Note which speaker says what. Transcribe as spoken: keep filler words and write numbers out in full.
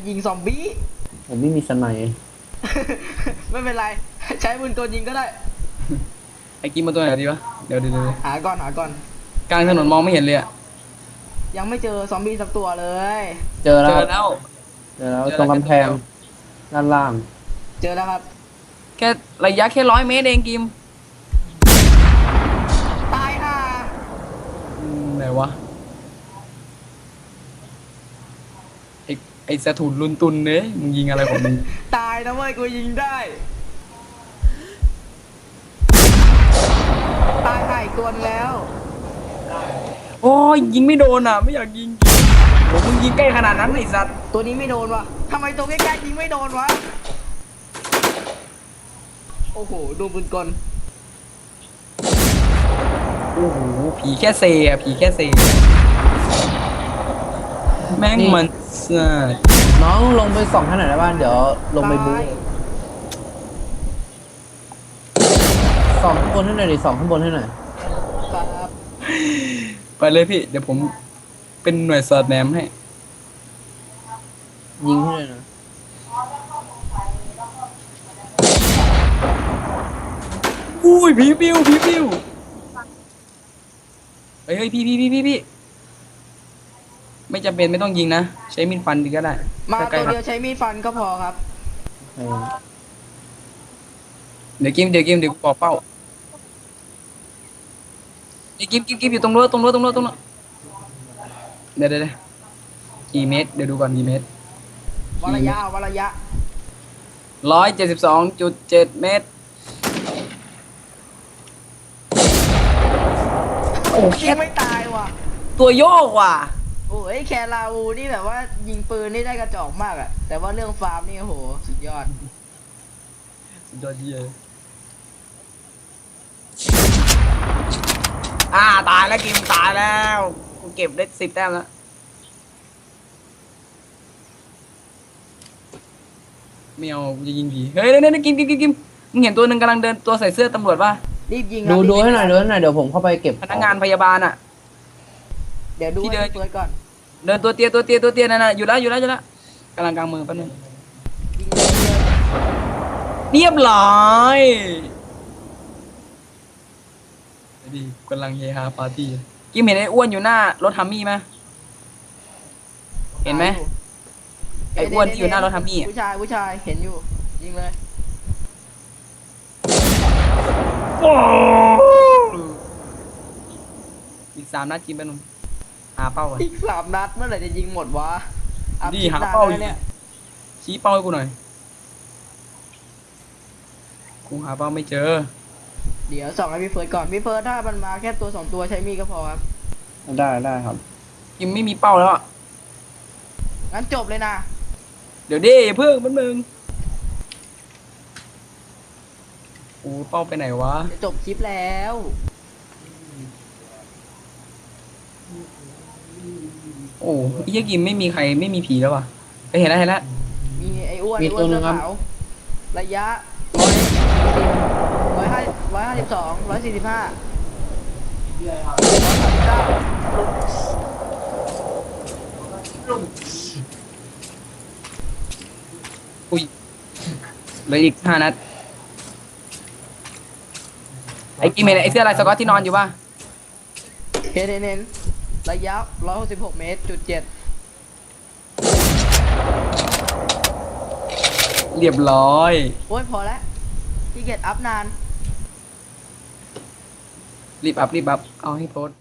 Speaker 1: ยิงซอมบี้
Speaker 2: ผมไม่มีสไนป์
Speaker 1: ไม่เป็นไรใช้ปืนตัวยิงก็ได้
Speaker 3: ไอ้กิมมาตัวไหนดีวะเดี๋ยวเดี๋ยวเดี๋ยว
Speaker 1: หาก่อนหาก่อน
Speaker 3: กลางถนนมองไม่เห็นเลยอะ
Speaker 1: ยังไม่เจอซอมบี้สักตัวเลย
Speaker 2: เจอแล้
Speaker 3: เจ
Speaker 2: ว
Speaker 3: อแล้ว
Speaker 2: เจอแล้ว
Speaker 3: เจอแล้ว
Speaker 2: ตรงกำแพงด้านล่าง
Speaker 1: เจอแล้วครับ
Speaker 3: แค่ระยะแค่ร้อยเมตรเองกิม
Speaker 1: ตายห่า
Speaker 3: อืมไหนวะไอ้ไอ้สะถุนลุนตุนเนี่ยมึงยิงอะไรของมึง
Speaker 1: ตายนะเว้ยกูยิงได้ตายห่าอีกตัวนึงแล้ว
Speaker 3: โอ้ยยิงไม่โดนอ่ะ ไม่อยากยิงโอ้มึงยิงใกล้ขนาดนั้นไอ้สัตว์
Speaker 1: ตัวนี้ไม่โดนวะทำไมตัวใกล้ๆยิงไม่โดนวะโอ้โหดูปืนกล
Speaker 3: โอ้โหผีแค่เซอะผีแค่เซแม่งมันสัตว์
Speaker 2: น้องลงไปส่องข้างไหนได้บ้างเดี๋ยวลงไปบู๊
Speaker 1: ตาย
Speaker 2: ส่องข้างบนให้หน่อยดิส่องข้างบนให้หน่อย
Speaker 1: ครับ
Speaker 3: ไปเลยพี่ เดี๋ยวผมเป็นหน่วยสอดแนมให้
Speaker 2: ยิงให้หน่อยนะ
Speaker 3: อุ้ยผีปิวผีปิวเฮ้ยเฮ้ยพี่พี่พี่พี่พี่ไม่จำเป็นไม่ต้องยิงนะ ใช้มีดฟันดีก็ได้
Speaker 1: มา
Speaker 3: ใกล้
Speaker 1: ตัว
Speaker 3: ๆ
Speaker 1: เดียวใช้มีดฟันก็พอครับ
Speaker 2: เออ
Speaker 3: เดี๋ยวกิมเดี๋ยวกิมเดี๋ยวกูบอกเป้าเดี๋ยวกิมกิมกิมอยู่ตรงรั้วตรงรั้วตรงรั้วตรงรั้วเดี๋ยวเดี๋ยวเดี๋ยวกี่เมตรเดี๋ยวดูก่อนกี่เมตร
Speaker 1: วัดระยะเอาวัดระยะ
Speaker 3: ร้อยเจ็ดสิบสองจุดเจ็ดเมตรโอ้
Speaker 1: ยิ
Speaker 3: แค่
Speaker 1: งไม่ตายว่ะ
Speaker 3: ตัวโยกว่ะ
Speaker 1: โอ้ยแคราวูนี่แบบว่ายิงปืนนี่ได้กระจอกมากอะแต่ว่าเรื่องฟาร์มนี่โอ้โหสุดยอด
Speaker 3: สุดยอดเยี่ยอ่าตายแล้วกิมตายแล้วกูเก็บได้สิบแต้มแล้วไม่เอากูจะยิงผีเฮ้ยเดี๋ยวเดี๋ยวกิมกิมกิมกิมมึงเห็นตัวหนึ่งกำลังเดินตัวใส่เสื้อตำรวจป่ะ
Speaker 1: รีบยิง
Speaker 2: ดู
Speaker 1: ครับ
Speaker 2: ดู
Speaker 1: รีบ
Speaker 2: ให้หน่อย
Speaker 1: ง
Speaker 2: ดูให้หน่อยเดี๋ยวผมเข้าไปเก็บ
Speaker 3: พนักงานพยาบาลอ่ะ
Speaker 1: เดี๋ยวดู
Speaker 3: ที่เดิ
Speaker 1: ให้
Speaker 3: น
Speaker 1: เปิดก่อน
Speaker 3: เดินตัวเตี้ยตัวเตี้ยตัวเตี้ยนั่นน่ะอยู่แล้วอยู่แล้วอยู่แล้วกำลังกลางมือแป๊บนึง
Speaker 1: ยิงเลยยิงเลย
Speaker 3: เรียบร้อยดีกำลังเฮฮาปาร์ตี้กิมเห็นไอ้อ้วนอยู่หน้ารถฮัมมี่ไหมเห็นไหม ไอ้อ้วนที่อยู่หน้ารถฮัมมี่อะ
Speaker 1: ผู้ชายผู้ชายเห็นอยู่ยิงเลย
Speaker 3: อีกสามนัดกินไปนุ่มหาเป้าก่อน
Speaker 1: อีกสามนัดเมื่อไหร่จะยิงหมดวะอัพ
Speaker 3: ดี
Speaker 1: คลิป
Speaker 3: หาน
Speaker 1: น
Speaker 3: เป้าอยู่
Speaker 1: แล้วเนี่ย
Speaker 3: ชี้เป้าให้กูหน่อยกูหาเป้าไม่เจอ
Speaker 1: เดี๋ยวส่องให้พี่เฟิร์สก่อนพี่เฟิร์สถ้ามันมาแค่ตัวสองตัวใช้มีดก็พอครับ
Speaker 2: ได้ได้ครับ
Speaker 3: กิมไม่มีเป้าแล้วอะ
Speaker 1: งั้นจบเลยนะ
Speaker 3: เดี๋ยวดิอย่าเพิ่งมันมึงกูเป้าไปไหนวะ
Speaker 1: จะจบคลิปแล้ว
Speaker 3: โอ้ยเหี้ยกิมไม่มีใครไม่มีผีแล้ววะไปเห็นแล้วเห็นแล้ว
Speaker 1: มีไอ้อ้วน
Speaker 2: มี
Speaker 1: ไอ้อ้
Speaker 2: ตัว
Speaker 1: วน
Speaker 2: หนึ่
Speaker 1: เสื้
Speaker 2: ง
Speaker 1: อ
Speaker 2: ครับ
Speaker 1: ขาวระยะร้อยร้อยห้าร้อยห้าสิบสองร้อยสี่สิบห้า
Speaker 3: อุ้ยเหลืออีกห้านัดไอ้กิมเห็นไอ้เสื้อลายสก๊อตที่นอนอยู่ป่ะ
Speaker 1: เห็นเห็นเห็นระยะร้อยหกสิบหกเมตรจุดเจ็ด
Speaker 3: เรียบร้อย
Speaker 1: โอ้ยพอแล้วพี่เกตอัพนาน
Speaker 3: รีบอัพรีบอัพเอาให้โพสต์